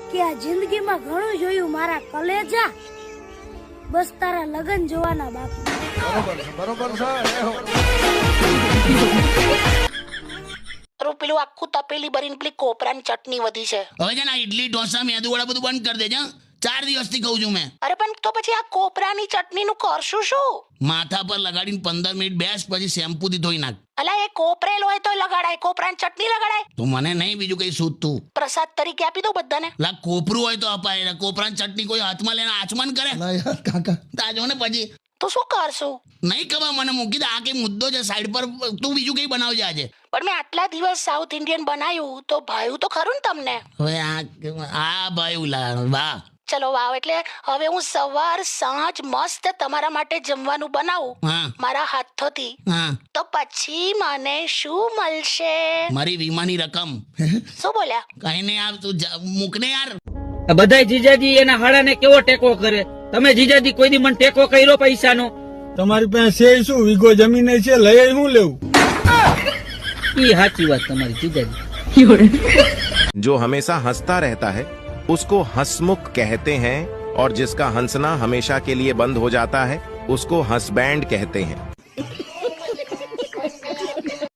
કે આ જિંદગીમાં ઘણું જોયું મારા કલેજા, બસ તારા લગન જોવાના બાકી. બરોબર છે. પેલું આખું તપેલી ભરીને પેલી કોપરાની ચટણી વધી છે. હવે છે ને ઇડલી ઢોસા મેદુવડા બધું બંધ કરી દેજે. 4 દિવસથી કહું છું મેં. અરે પણ તો પછી આ કોપરાની ચટણીનું કરશું શું? માથા પર લગાડીને 15 મિનિટ બેસ, પછી શેમ્પૂથી ધોઈ નાખ. અલા એ કોપરેલ હોય તો લગાડાય, કોપરાની ચટણી લગાડાય. તો મને નહીં બીજું કઈ સૂઝતું. પ્રસાદ તરીકે આપી દો બધાને. લા કોપરું હોય તો અપાય, કોપરાની ચટણી કોઈ હાથમાં લઈને આચમન કરે? ના યાર કાકા, તાજો ને પછી તો શું કરશું? નહીં ખબર મને, મૂકી દે. આ કઈ મુદ્દો છે સાઈડ પર. તું બીજું કઈ બનાવજે આજે. પણ મેં આટલા દિવસ સાઉથ ઇન્ડિયન બનાવ્યું તો ભાયું તો ખરું ને તમને? હવે આ ભાઈ ઉલા વાહ. ચલો વાવ, એટલે હવે હું સવાર સાંજ મસ્ત તમારા માટે જમવાનું બનાવું હા મારા હાથોથી, હા. તો પછી મને શું મળશે? મારી વીમાની રકમ. શું બોલ્યા? કઈ નહીં, યાર તું મૂકને યાર. બધાય જીજાજી એના હાડાને કેવો ટેકો કરે. તમે જીજાજી કોઈ દી મને ટેકો કર્યો પૈસાનો? તમારી પાસે છે શું? વીઘો જમીન છે, લઈ શું લેવું? ઈ સાચી વાત તમારી જીજાજી. जो हमेशा हंसता रहता है उसको हंसमुख कहते हैं, और जिसका हंसना हमेशा के लिए बंद हो जाता है उसको हंसबैंड कहते हैं.